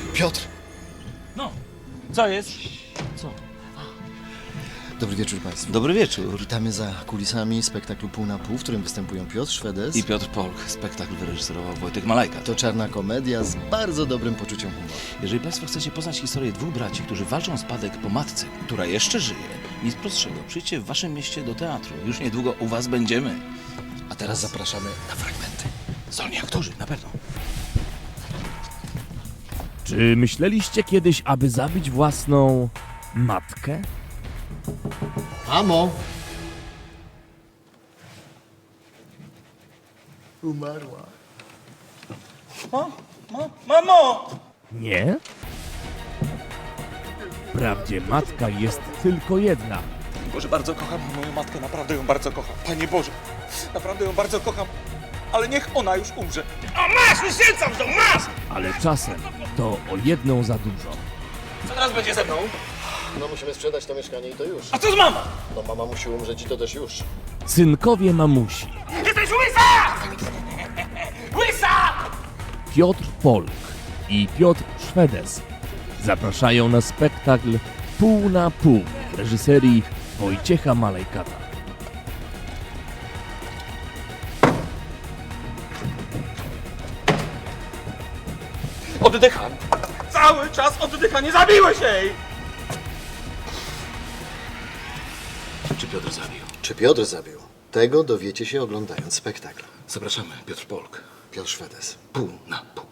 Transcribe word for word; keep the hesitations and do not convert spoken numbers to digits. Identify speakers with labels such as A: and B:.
A: Piotr!
B: No, co jest? Co?
A: Dobry wieczór Państwu.
B: Dobry wieczór.
A: Witamy za kulisami spektaklu Pół na Pół, w którym występują Piotr Szwedes.
B: I Piotr Polk. Spektakl wyreżyserował Wojtek Malajka.
A: To czarna komedia z bardzo dobrym poczuciem humoru.
B: Jeżeli Państwo chcecie poznać historię dwóch braci, którzy walczą o spadek po matce, która jeszcze żyje, nic prostszego, przyjdźcie w Waszym mieście do teatru. Już niedługo u Was będziemy. A
A: Teraz zapraszamy na fragmenty.
B: zdolni aktorzy, na pewno.
C: Czy myśleliście kiedyś, aby zabić własną matkę?
A: Mamo! Umarła.
B: O, ma, mamo!
C: Nie? Wprawdzie matka jest tylko jedna.
D: Boże, bardzo kocham moją matkę, naprawdę ją bardzo kocham. Panie Boże, naprawdę ją bardzo kocham, ale niech ona już umrze.
B: O, masz, wyświecam to, masz!
C: Ale czasem to o jedną za dużo.
B: Co teraz będzie ze mną?
A: No musimy sprzedać to mieszkanie i to już.
B: A co z mamą?
A: No mama musi umrzeć i to też już.
C: Synkowie mamusi.
B: Jesteś łysa! Łysa!
C: Piotr Polk i Piotr Szwedes zapraszają na spektakl Pół na Pół w reżyserii Wojciecha Malejkata.
D: Oddycham. Cały czas oddycha, nie zabiłeś jej!
B: Czy Piotr zabił?
A: Czy Piotr zabił? Tego dowiecie się oglądając spektakl.
B: Zapraszamy, Piotr Polk.
A: Piotr Szwedes.
B: Pół na pół.